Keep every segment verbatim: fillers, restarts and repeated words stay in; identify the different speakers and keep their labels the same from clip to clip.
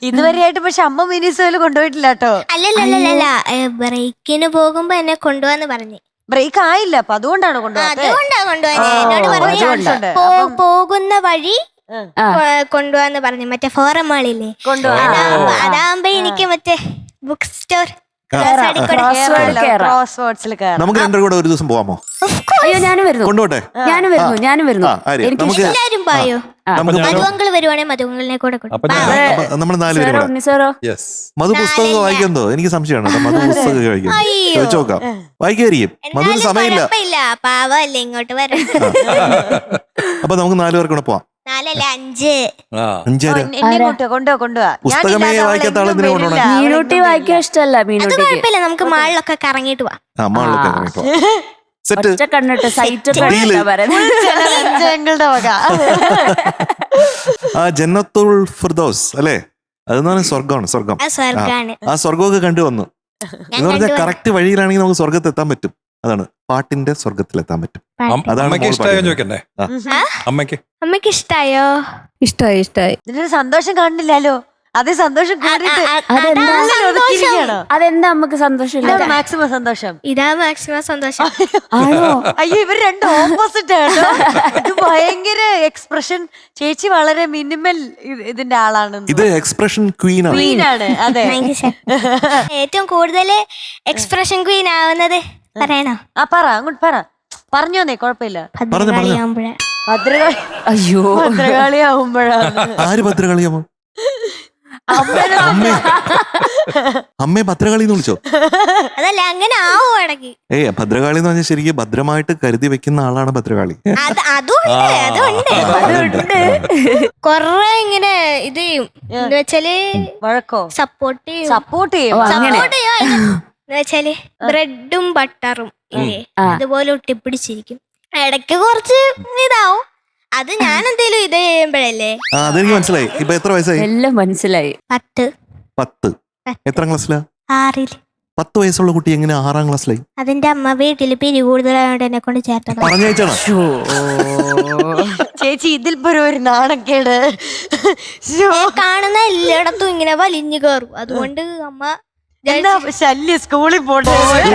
Speaker 1: ഇതുവരെയായിട്ട് പക്ഷെ അമ്മ മിനിസോയില് കൊണ്ടുപോയിട്ടില്ല കേട്ടോ.
Speaker 2: അല്ലല്ലല്ല ബ്രേക്കിന് പോകുമ്പോ എന്നെ കൊണ്ടുപോവാന്ന് പറഞ്ഞു.
Speaker 1: ബ്രേക്ക് ആയില്ല അപ്പൊ അതുകൊണ്ടാണ് കൊണ്ടുപോകാത്തത്.
Speaker 2: അതുകൊണ്ടാ കൊണ്ടുപോകാൻ എന്നോട് പറഞ്ഞു പോകുന്ന വഴി കൊണ്ടുപോവാന്ന് പറഞ്ഞു. മറ്റേ ഫോറം മാളില്ലേ അതാകുമ്പോ എനിക്ക് മറ്റേ ബുക്ക് സ്റ്റോർ
Speaker 3: നമുക്ക് രണ്ടും കൂടെ ഒരു ദിവസം പോവാമോ?
Speaker 4: അയ്യോ ഞാനും വരുന്നു.
Speaker 3: കൊണ്ടുപോട്ടെ.
Speaker 4: ഞാനും വരുന്നു ഞാനും വരുന്നു.
Speaker 2: എല്ലാരും പോയോ? മധുവങ്കൾ വരുവാണെങ്കിൽ മധുവങ്കളിനെ കൂടെ
Speaker 3: നമ്മൾ നാലുപേരും മധു പുസ്തകം വായിക്കുന്നോ? എനിക്ക് സംശയമാണ്. മധു പുസ്തകം വായിക്കും ചോദിച്ചു നോക്കാം. വായിക്കായിരിക്കും. മധുവിന് സമയമില്ല.
Speaker 2: പാവല്ലേ ഇങ്ങോട്ട് വരാം.
Speaker 3: അപ്പൊ നമുക്ക് നാലുപേർക്ക് കൂടെ പോവാം.
Speaker 2: നാലല്ല അഞ്ച്
Speaker 3: അഞ്ചര പുസ്തകമേ വായിക്കാത്ത ആളെന്തിനെ കൊണ്ടുപോകണം?
Speaker 4: മീനൂട്ടി വായിക്കാൻ ഇഷ്ടമല്ല. മീനൂട്ടി
Speaker 2: കുഴപ്പമില്ല, നമുക്ക് മാളിലൊക്കെ കറങ്ങിട്ട് പോവാം.
Speaker 3: സെറ്റ്
Speaker 4: കണ്ടിട്ട് സൈറ്റ്
Speaker 3: ആ ജന്നത്തുൽ ഫിർദൗസ് അല്ലേ? അതെന്നാണ് സ്വർഗമാണ്. സ്വർഗം ആ സ്വർഗമൊക്കെ കണ്ടു വന്നു എന്ന് പറഞ്ഞാൽ കറക്റ്റ് വഴിയിലാണെങ്കിൽ നമുക്ക് സ്വർഗത്ത് എത്താൻ പറ്റും. അതാണ് പാട്ടിന്റെ സ്വർഗത്തിലെത്താൻ പറ്റും. അതാണ്
Speaker 2: അമ്മയ്ക്ക് അമ്മയ്ക്ക് ഇഷ്ടായോ?
Speaker 4: ഇഷ്ടായി ഇഷ്ടായി.
Speaker 1: ഇതിനൊരു സന്തോഷം കാണില്ലല്ലോ. അതേ സന്തോഷം
Speaker 4: അതെന്താ നമുക്ക് സന്തോഷം?
Speaker 1: മാക്സിമം സന്തോഷം.
Speaker 2: ഇതാ മാക്സിമം സന്തോഷം.
Speaker 1: അയ്യോ ഇവർ രണ്ട് ഓപ്പോസിറ്റ് ആണ്. ഇത് ഭയങ്കര എക്സ്പ്രഷൻ. ചേച്ചി വളരെ മിനിമൽ ഇതിന്റെ ആളാണ്.
Speaker 3: ഇത് എക്സ്പ്രഷൻ ക്വീൻ
Speaker 1: ആണ്. അതെ
Speaker 2: ഏറ്റവും കൂടുതൽ എക്സ്പ്രഷൻ ക്വീൻ ആവുന്നത് പറയണോ?
Speaker 1: ആ പറ അങ്ങോട്ട് പറ. പറഞ്ഞോന്നേ കുഴപ്പമില്ല.
Speaker 2: ഭദ്രകാളി ആവുമ്പോഴാ.
Speaker 1: ഭദ്രകാളി
Speaker 4: അയ്യോ
Speaker 1: ഭദ്രകാളി ആവുമ്പോഴാണ്.
Speaker 3: ആര് ഭദ്രകാളിയാമോ? അമ്മേ ഭദ്രകാളി എന്ന് വിളിച്ചോ?
Speaker 2: അതല്ല അങ്ങനെ ആവോ ഇടയ്ക്ക്.
Speaker 3: ഏയ് ഭദ്രകാളി എന്ന് പറഞ്ഞാൽ ശരിക്കും ഭദ്രമായിട്ട് കരുതി വെക്കുന്ന ആളാണ് ഭദ്രകാളി.
Speaker 2: കൊറേ ഇങ്ങനെ ഇത് എന്ന് വെച്ചാല്
Speaker 1: വഴക്കോ
Speaker 2: സപ്പോർട്ട് ചെയ്യും.
Speaker 1: സപ്പോർട്ട് ചെയ്യും.
Speaker 2: സപ്പോർട്ട് ചെയ്യും എന്ന് വെച്ചാല് ബ്രെഡും ബട്ടറും ഇല്ലേ അതുപോലെ ഒട്ടിപ്പിടിച്ചിരിക്കും. ഇടയ്ക്ക് കുറച്ച് ഇതാവും. അത് ഞാൻ എന്തേലും ഇത് ചെയ്യുമ്പോഴല്ലേ.
Speaker 3: അതെനിക്ക് മനസ്സിലായി. ഇപ്പൊ എത്ര വയസ്സായി?
Speaker 4: എല്ലാം മനസ്സിലായി.
Speaker 2: പത്ത്.
Speaker 3: പത്ത്. എത്ര ക്ലാസ്സിലാ?
Speaker 2: ആറില്.
Speaker 3: പത്ത് വയസ്സുള്ള കുട്ടി എങ്ങനെ ആറാം ക്ലാസ്സിലായി?
Speaker 2: അതിന്റെ അമ്മ വീട്ടില് പിരി കൂടുതലായോണ്ട് എന്നെ കൊണ്ട് ചേർത്തത്.
Speaker 3: പറഞ്ഞയച്ചാണോ?
Speaker 1: ചേച്ചി ഇതിൽ പോലും ഒരു നാണക്കേട്.
Speaker 2: കാണുന്ന എല്ലായിടത്തും ഇങ്ങനെ വലിഞ്ഞു കയറും. അതുകൊണ്ട് അമ്മ
Speaker 1: ശല്യ സ്കൂളിൽ പോട്ടെ.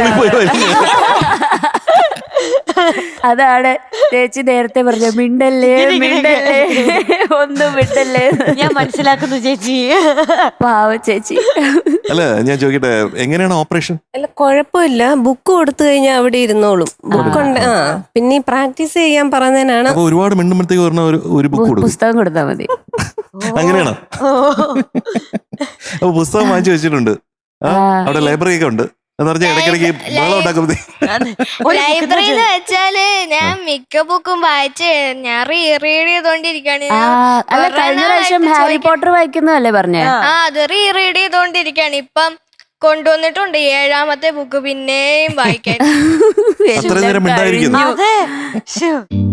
Speaker 4: അതാണ് ചേച്ചി നേരത്തെ പറഞ്ഞ മിണ്ടല്ലേ മിണ്ടല്ലേ ഒന്നും മിണ്ടല്ലേ.
Speaker 1: ഞാൻ മനസ്സിലാക്കുന്നു ചേച്ചി.
Speaker 4: പാവ ചേച്ചി.
Speaker 3: അല്ല ഞാൻ ചോദിക്കട്ടെ, എങ്ങനെയാണ് ഓപ്പറേഷൻ?
Speaker 5: അല്ല കുഴപ്പമില്ല. ബുക്ക് കൊടുത്തു കഴിഞ്ഞാൽ അവിടെ ഇരുന്നോളും. ബുക്കുണ്ട്. ആ പിന്നെ പ്രാക്ടീസ് ചെയ്യാൻ പറഞ്ഞതിനാണ്.
Speaker 3: ഒരുപാട് മിണ്ടുമ്പോഴത്തേക്ക് പറഞ്ഞ ഒരു ബുക്ക് കൊടുക്കും.
Speaker 4: പുസ്തകം കൊടുത്താൽ മതി.
Speaker 3: അങ്ങനെയാണോ? അപ്പൊ പുസ്തകം വാങ്ങിച്ചു വെച്ചിട്ടുണ്ട്. അവിടെ ലൈബ്രറി ഒക്കെ ഉണ്ട്. ഇടയ്ക്കിടയ്ക്ക്
Speaker 2: ലൈബ്രറി എന്ന് വെച്ചാല് ഞാൻ മിക്ക ബുക്കും വായിച്ച് ഞാൻ റീഡ് ചെയ്തോണ്ടിരിക്കാണ്.
Speaker 4: കഴിഞ്ഞ പ്രാവശ്യം ഹാരി പോട്ടർ വായിക്കുന്നതല്ലേ പറഞ്ഞേ?
Speaker 2: ആ അത് റീഡ് ചെയ്തോണ്ടിരിക്കാണ്. ഇപ്പം കൊണ്ടുവന്നിട്ടുണ്ട് ഏഴാമത്തെ ബുക്ക് പിന്നെയും വായിക്കാൻ.
Speaker 3: അത്ര നേരം ഉണ്ടായിരിക്കുന്നു.